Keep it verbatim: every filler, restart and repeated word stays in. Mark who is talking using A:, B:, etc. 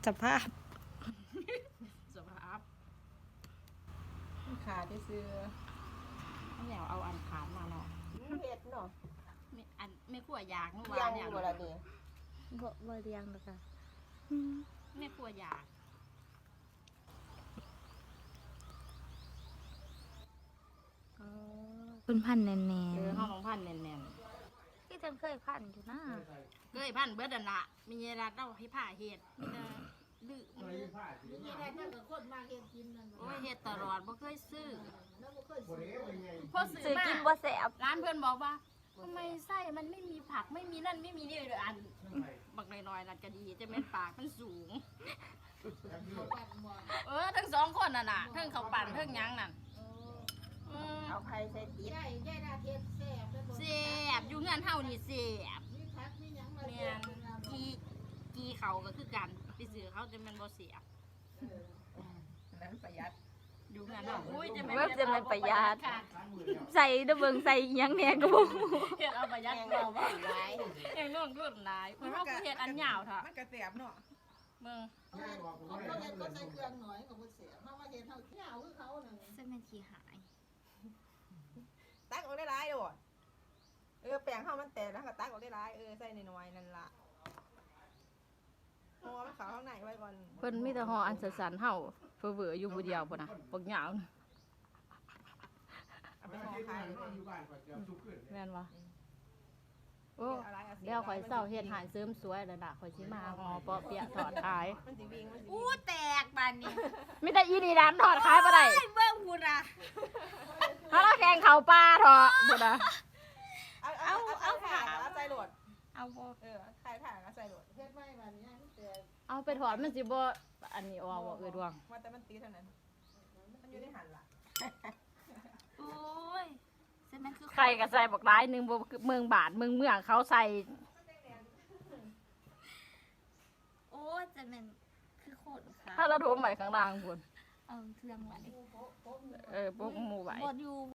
A: สภาพ
B: สภาพ
C: ขาที่ซื้อ
B: แนวเอาอันขานมาเนาะ
C: เห็ดเนาะ
B: ไม่อันไม่ขั่วยากนู่น
C: เลี้ย
B: วาง เนี่ย
C: อยู่ละนี่
A: บ่บ่เลี้ยงหรอกค่ะ
B: ไม่ขั่วยาก
A: อ๋อเป็นพันธุ์แน่น
B: เออห้องของพันแน่น
A: ๆที่จังเคยพันธุ์อยู่นะ
B: ๆเคยพันเบิดอันละมีเวลาเล่าให้ผ้าเฮ็ดมีแต่ดื้อ
D: มีอะไรนั่นก็คนมาเฮ็ดกินนั่น
B: โอ้ยเฮ็ดตลอดบ่เคยซื้อ
D: แล้วบ่เคยซื้อ
B: พอซื้
A: ซื้
B: อ
A: อ
B: มา
A: กินบ่แซ่บ
B: ร้านเพื่อนบอกว่าทำไมไส้มันไม่มีผักไม่มีนั่นไม่มีนี่เลยอันบักน้อยๆนั่นก็ดีจะเป็นปากมันสูง
D: เขาปั่นหมด
B: เออทั้งสองคนน่ะน่ะทั้งเขาวปั่นทั้งหยังนั่นอืม
C: เอาไข่ใส่ติด
D: ยายยายนาเทศแซ่บแล้วบ่
B: เสียบอยู่เงินเท่านี่เสียบ
D: มีผักมีหยังมา
B: แม่
D: เฮ็ด
B: นกีกีเขาก็คือกันไปซื้อเขาจะเป็นบ่เสียบ
C: นั้นประหยัด
B: อยู่เงินเนาะอุ้ยจะ
A: ว่าจะเป็นประหยัด
B: ค่ะ
A: ใส่เด้อเบิ่งใส่อิหยังแหน่ก็บ่
B: เฮ็ดเอาประหยัด
C: แกง
B: เรา
C: เรา
B: บ่
C: หลาย
B: ยังนู่นรุ่นหลายเพราะว่าเฮ็ดอันยาวเถอะ
C: มันกระเสียบเนาะ
B: มึง
D: เขาเฮ็ดเขาเฮ็ดก็ใส่เครื่องหน่อยก็บ่เสียเฮามาเฮ็ดเฮาเหงาคือเขานั่น
B: เส้นเป็นขี้หาย
C: ตักออกได้หลายโดดเออแป้งเฮามันแตกแล้วก็ตักออกได้หลายเออใส่น้อยๆนั่นล่ะห่อมันเข้าข้างในไว้ก่อน
B: เพิ่นมีแต่ห่ออันสันๆเฮาเฟ้อเวออยู่ผู้เดียวพุ่นน่ะบักยาวน่ะ
C: เอาไปห่อไข่เลย
B: แม่นบ่โอ้เดี๋ยวข่อยเศร้าเฮ็ดหายเสริมสวยแล้วน่ะข่อยสิมาห่อเปาะเปียะถอดขาย
C: มันสิวิ่งมันสิ
B: อู้
C: วิ่ง
B: แตกบานนี้มีแต่อีนี่ร้านถอดขายบ่ได้เบิ่งพุ่นน่ะถ้าเราแข่งเข้าป่าเถอะพุ่นน่ะ
C: เอาเอาเอาถ่านเอาใส่โหลด
B: เอาบ่
C: เออไข่ถ่านเอาใส่โหลด
D: เฮ็ดไว้บัดนี้แต่
B: เอาไปถอดมันสิบ่อันนี้ออกบ่เอ้ยดวง
C: ว่าแต่มันตีเท่านั้นมันอยู่ในหันล่ะ
B: โอ้ยใครก็ใส่บักหลายหนึงบ่คือเมืองบาทเมืองเมืองเขาใส่
A: โอ้ยจะเป็นคือโคตรค่ะ
B: ถ้าเราโทรใหม่ข้างล่างพุ่น
A: เอาเครื่องไว้
B: เออพวกหมู่ไว้
A: บ่อยู่